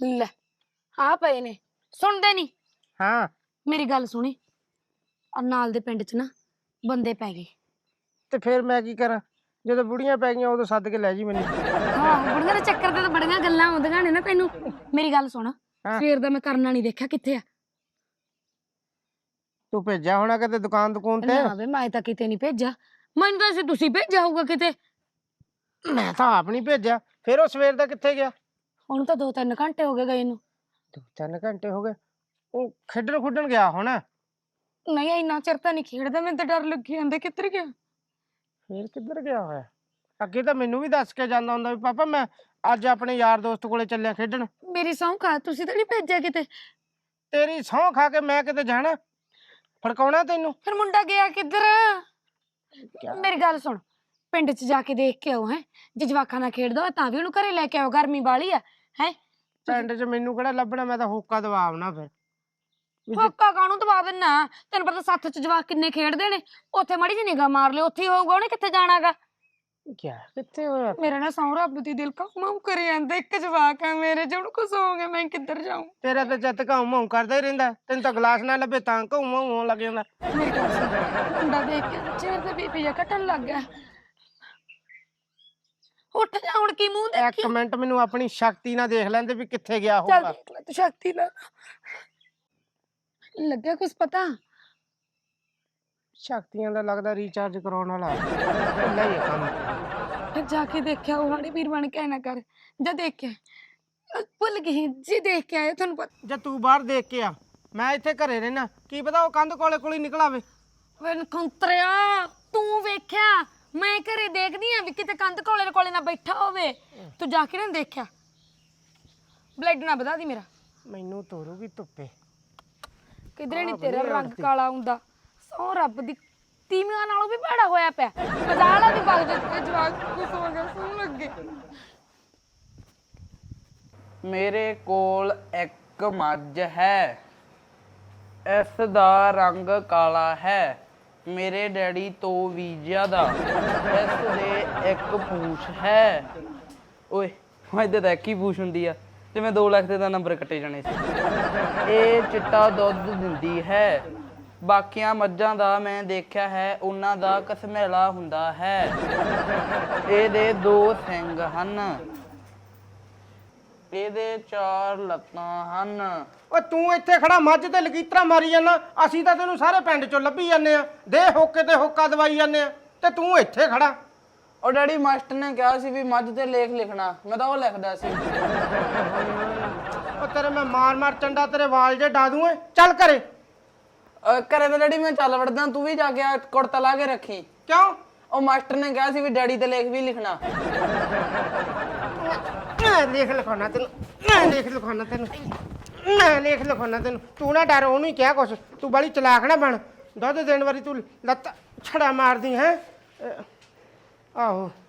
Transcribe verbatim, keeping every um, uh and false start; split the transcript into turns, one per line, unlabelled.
ਲੈ ਆ ਪਏ ਨੇ ਸੁਣਦੇ ਨਹੀਂ।
ਹਾਂ
ਮੇਰੀ ਗੱਲ ਸੁਣੀ ਆ ਨਾਲ ਦੇ ਪਿੰਡ ਚ ਨਾ ਬੰਦੇ ਪੈ ਗਏ।
ਤੇ ਫਿਰ ਮੈਂ ਕੀ ਕਰਾਂ ਜਦੋਂ ਬੁੜੀਆਂ ਪੈ ਗਈਆਂ ਉਦੋਂ ਸੱਦ ਕੇ ਲੈ ਜੀ ਮੈਨੂੰ।
ਹਾਂ ਬੁੜੀਆਂ ਦੇ ਚੱਕਰ ਤੇ ਤਾਂ ਬੜੀਆਂ ਗੱਲਾਂ ਆਉਂਦੀਆਂ ਨੇ ਨਾ ਤੈਨੂੰ। ਮੇਰੀ ਗੱਲ ਸੁਣ ਸਵੇਰ ਦਾ ਮੈਂ ਕਰਨਾ ਨਹੀਂ ਦੇਖਿਆ ਕਿੱਥੇ ਆ।
ਤੂੰ ਭੇਜਿਆ ਹੋਣਾ ਕਿਤੇ ਦੁਕਾਨ ਦੁਕਾਨ ਤੇ।
ਨਾ ਵੇ ਮੈਂ ਤਾਂ ਕਿਤੇ ਨਹੀਂ ਭੇਜਿਆ ਮੈਨੂੰ ਤਾਂ ਅਸੀਂ ਤੁਸੀਂ ਭੇਜਿਆ ਹੋਊਗਾ ਕਿਤੇ।
ਮੈਂ ਤਾਂ ਆਪ ਨਹੀਂ ਭੇਜਿਆ ਫਿਰ ਉਹ ਸਵੇਰ ਦਾ ਕਿੱਥੇ ਗਿਆ।
ਹੁਣ ਤਾਂ ਦੋ ਤਿੰਨ ਘੰਟੇ ਹੋ ਗਏ ਗਏ ਨੂੰ।
ਦੋ ਤਿੰਨ ਘੰਟੇ ਹੋ ਗਏ ਉਹ ਖੇਡਣ ਖੁੱਡਣ ਗਿਆ ਹੋਣਾ।
ਨਹੀਂ ਇੰਨਾ ਚਿਰ ਤਾਂ ਨਹੀਂ ਖੇਡਦਾ ਮੈਨੂੰ ਤਾਂ ਡਰ ਲੱਗੀ ਜਾਂਦਾ ਕਿੱਧਰ ਗਿਆ।
ਫਿਰ ਕਿੱਧਰ ਗਿਆ ਹੋਇਆ ਅੱਗੇ ਤਾਂ ਮੈਨੂੰ ਵੀ ਦੱਸ ਕੇ ਜਾਂਦਾ ਹੁੰਦਾ ਵੀ ਪਾਪਾ ਮੈਂ ਅੱਜ ਆਪਣੇ ਯਾਰ ਦੋਸਤ ਕੋਲੇ ਚੱਲਿਆ ਖੇਡਣ।
ਮੇਰੀ ਸਹੁੰ ਖਾ ਤੁਸੀਂ ਤਾਂ ਨਹੀਂ ਭੇਜਿਆ ਕਿਤੇ।
ਤੇਰੀ ਸਹੁੰ ਖਾ ਕੇ ਮੈਂ ਕਿਤੇ ਜਾਣਾ ਫੜਕਾਉਣਾ ਤੈਨੂੰ।
ਫਿਰ ਮੁੰਡਾ ਗਿਆ ਕਿੱਧਰ। ਮੇਰੀ ਗੱਲ ਸੁਣ ਪਿੰਡ ਚ ਜਾ ਕੇ ਦੇਖ ਕੇ ਆਓ ਹੈ ਜੇ ਜਵਾਕਾਂ ਨਾਲ ਖੇਡਦਾ ਹੋਇਆ ਤਾਂ ਵੀ ਉਹਨੂੰ ਘਰੇ ਲੈ ਕੇ ਆਓ ਗਰਮੀ ਵਾਲੀ ਆ ਹੈ।
ਪਿੰਡ ਚ ਮੈਨੂੰ ਕਿਹੜਾ ਲੱਭਣਾ ਮੈਂ ਤਾਂ ਹੋਕਾ ਦਵਾਵਣਾ ਫਿਰ।
ਹੋਕਾ ਕਾਹਨੂੰ ਦਵਾ ਦਿੰਨਾ ਤੈਨੂੰ ਪਤਾ ਸੱਥ ਚ ਜਵਾਕ ਕਿੰਨੇ ਖੇਡਦੇ ਨੇ ਉੱਥੇ ਮਾੜੀ ਜਿਹੀ ਨਿਗਾਹ ਮਾਰ ਲਿਓ ਉੱਥੇ ਹੀ ਹੋਊਗਾ ਉਹਨੇ ਕਿੱਥੇ ਜਾਣਾਗਾ।
ਕਿਆ ਕਿੱਥੇ ਹੋਇਆ
ਮੇਰਾ ਨਾ ਸਹੁੰ ਰੱਬ ਦੀ ਦਿਲ ਕਾਉ ਕਰੀ ਜਾਂਦਾ ਇੱਕ ਜਵਾਕ ਆ ਮੇਰੇ ਜਿਹਨੂੰ ਕੁਛ ਹੋ ਗਿਆ ਮੈਂ ਕਿੱਧਰ ਜਾਊਂ।
ਤੇਰਾ ਤਾਂ ਜੱਤ ਘਾਉ ਮਾਉ ਕਰਦਾ ਹੀ ਰਹਿੰਦਾ ਤੈਨੂੰ ਤਾਂ ਗਲਾਸ ਨਾ ਲੱਭੇ ਤਾਂ ਘਾਉ ਮਾਉ ਹੋਣ ਲੱਗ ਜਾਂਦਾ।
ਮੇਰੀ ਗੱਲ ਸੁਣ ਮੁੰਡਾ ਦੇਖ ਕੇ ਚਿਹਰੇ ਤੇ ਬੀਪੀ ਜਿਹਾ ਘਟਣ ਲੱਗ ਗਿਆ। ਉੱਠ ਜਾ ਹੁਣ ਕੀ ਮੂੰਹ ਦੇਖੀ।
ਇੱਕ ਮਿੰਟ ਮੈਨੂੰ ਆਪਣੀ ਸ਼ਕਤੀ ਨਾਲ ਦੇਖ ਲੈਂਦੇ ਵੀ ਕਿੱਥੇ ਗਿਆ
ਚੱਲ
ਹੋਊਗਾ।
ਦੇਖ ਲੈ ਤੂੰ ਸ਼ਕਤੀ ਨਾਲ ਲੱਗਿਆ ਕੁਛ ਪਤਾ।
ਸ਼ਕਤੀਆਂ ਦਾ ਲੱਗਦਾ ਰੀਚਾਰਜ ਕਰਾਉਣ ਵਾਲਾ ਭੁੱਲਾ ਹੀ ਹੈ ਕੰਮ।
ਫਿਰ ਜਾ ਕੇ ਦੇਖਿਆ ਉਹ ਹਾੜੇ ਵੀਰ ਬਣ ਕੇ ਨਾ ਕਰ ਜਾ ਦੇਖ ਕੇ ਭੁੱਲ ਗਈ ਜੀ ਦੇਖ ਕੇ ਆਏ ਤੁਹਾਨੂੰ ਪਤਾ।
ਜੇ ਤੂੰ ਬਾਹਰ ਦੇਖ ਕੇ ਆ ਮੈਂ ਇੱਥੇ ਘਰੇ ਰਹਿਣਾ ਕੀ ਪਤਾ ਉਹ ਕੰਧ ਕੋਲੇ ਕੋਲੇ ਨਿਕਲ ਆਵੇ।
ਵੇ ਨਖੁੰਤਰਿਆ ਤੂੰ ਵੇਖਿਆ ਮੈਂ ਘਰੇ ਦੇਖਦੀ ਆ ਵੀ ਕਿਤੇ ਕੰਧ ਕੋਲੇ ਕੋਲੇ ਨਾ ਬੈਠਾ ਹੋਵੇ। ਤੂੰ ਜਾ ਕੇ ਨਾ ਦੇਖਿਆ ਬਲੱਡ ਨਾ ਵਧਾ ਦੀ ਮੇਰਾ।
ਮੈਨੂੰ ਤੋਰੂਗੀ ਧੁੱਪੇ
ਕਿਧਰੇ ਨਹੀਂ ਤੇਰਾ ਰੰਗ ਕਾਲਾ ਹੁੰਦਾ ਸਹੁੰ ਰੱਬ ਦੀ ਤੀਵੀਆਂ ਨਾਲੋਂ ਵੀ ਭੈੜਾ ਹੋਇਆ ਪਿਆ। ਮਜ਼ਾਲਾ ਦੀ ਬਗ ਜੇ ਜਵਾਕ ਕੁਝ ਹੋ ਗਿਆ ਸੁਣ ਲੱਗੇ।
ਮੇਰੇ ਕੋਲ ਇੱਕ ਮੱਝ ਹੈ ਇਸ ਦਾ ਰੰਗ ਕਾਲਾ ਹੈ ਮੇਰੇ ਡੈਡੀ ਤੋਂ ਵੀ ਜ਼ਿਆਦਾ ਇਸ ਦੇ ਇੱਕ ਪੂਛ ਹੈ। ਓਏ ਮੱਝ ਤਾਂ ਇੱਕ ਹੀ ਪੂਛ ਹੁੰਦੀ ਆ ਤੇ ਮੈਂ ਦੋ ਲੱਖ ਦੇ ਤਾਂ ਨੰਬਰ ਕੱਟੇ ਜਾਣੇ ਸੀ। ਇਹ ਚਿੱਟਾ ਦੁੱਧ ਦਿੰਦੀ ਹੈ ਬਾਕੀਆਂ ਮੱਝਾਂ ਦਾ ਮੈਂ ਦੇਖਿਆ ਹੈ ਉਹਨਾਂ ਦਾ ਕਸਮੈਲਾ ਹੁੰਦਾ ਹੈ। ਇਹਦੇ ਦੋ ਸਿੰਗ ਹਨ ਇਹਦੇ ਚਾਰ ਲੱਤਾਂ ਹਨ।
ਓ ਤੂੰ ਇੱਥੇ ਖੜਾ ਮੱਝ ਤੇ ਲਗੀਤਰਾ ਮਾਰੀ ਜਾਂਦਾ ਅਸੀਂ ਤਾਂ ਤੈਨੂੰ ਸਾਰੇ ਪਿੰਡ ਚੋਂ ਲੱਭੀ ਜਾਂਦੇ ਆ ਦੇ ਹੋਕੇ ਤੇ ਹੋਕਾ ਦਵਾਈ ਜਾਂਦੇ ਆ ਤੇ ਤੂੰ ਇੱਥੇ ਖੜਾ।
ਉਹ ਡੈਡੀ ਮਾਸਟਰ ਨੇ ਕਿਹਾ ਸੀ ਵੀ ਮੱਝ ਤੇ ਲੇਖ ਲਿਖਣਾ ਮੈਂ ਤਾਂ ਉਹ ਲਿਖਦਾ ਸੀ।
ਓ ਤੇਰੇ ਮੈਂ ਮਾਰ ਮਾਰ ਚੰਡਾ ਤੇਰੇ ਵਾਲ ਜੇ ਡਾ ਦੂੰ ਏ ਚੱਲ ਘਰੇ।
ਘਰੇ ਤਾਂ ਡੈਡੀ ਮੈਂ ਚੱਲ ਵੜਦਾ ਤੂੰ ਵੀ ਜਾ ਕੇ ਆ ਕੁੜਤਾ ਲਾ ਕੇ ਰੱਖੀ।
ਕਿਉਂ
ਉਹ ਮਾਸਟਰ ਨੇ ਕਿਹਾ ਸੀ ਵੀ ਡੈਡੀ ਤੇ ਲੇਖ ਵੀ ਲਿਖਣਾ।
ਮੈਂ ਲੇਖ ਲਿਖਾਉਣਾ ਤੈਨੂੰ ਮੈਂ ਲੇਖ ਲਿਖਾਉਣਾ ਤੈਨੂੰ ਮੈਂ ਲੇਖ ਲਿਖਾਉਣਾ ਤੈਨੂੰ ਤੂੰ ਨਾ ਡਰ ਉਹਨੂੰ ਹੀ ਕਿਹਾ ਕੁਛ ਤੂੰ ਬੜੀ ਚਲਾਕ ਨਾ ਬਣ ਦੁੱਧ ਦੇਣ ਵਾਰੀ ਤੂੰ ਲੱਤ ਛੜਾ ਮਾਰਦੀ ਹੈ ਆਹੋ।